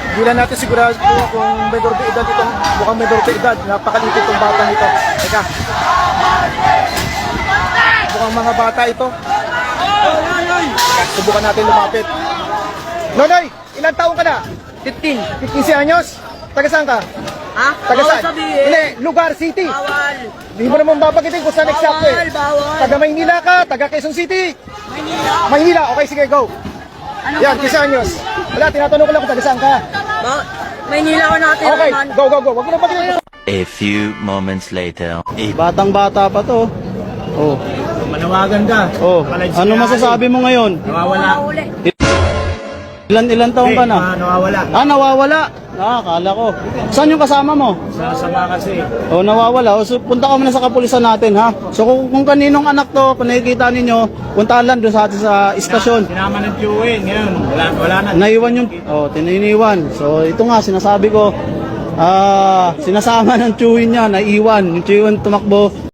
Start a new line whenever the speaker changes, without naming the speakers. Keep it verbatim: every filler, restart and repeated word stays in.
Hindi lang natin sigurado kung menor de edad itong, mukhang menor de edad. Napakaliit itong bata nito. Teka. Mukhang mga bata ito. Subukan natin lumapit. Nonoy, ilang taong ka na?
fifteen.
fifteen anyos? Taga saan ka?
Ha?
Taga
Bawal
saan?
sabihin.
Hindi, lugar, city.
Bawal.
Hindi mo naman babagitin kung saan exact eh.
Bawal, bawal.
Taga Maynila ka, taga Quezon City.
Manila.
Maynila, okay sige, go.
Anong
Yan,
sabi?
fifteen anyos. Wala, tinatanong ko lang kung taga saan ka.
Ba Maynila ko natin
Okay,
naman.
go, go, go. Wag mo na bagitin.
A few moments later.
Batang bata pa to. Oh.
Manawagan ka.
Oh. Ano masasabi mo ngayon?
Nawawala.
Uli.
Ilan ilan taong ka na?
nawawala.
Ah, nawawala. Ah, akala ko. Saan yung kasama mo?
Sasama kasi.
Oh, nawawala. O, so, punta ka muna sa kapulisan natin, ha? So, kung, kung kaninong anak to, kung nakikita ninyo, puntahan lang doon sa atin sa istasyon.
Sinama ng Q A ngayon. Wala, wala na.
Naiwan yung, oh, tininiwan. So, ito nga, sinasabi ko, ah, sinasama ng tiyuhin niya, naiwan. Yung tiyuhin tumakbo,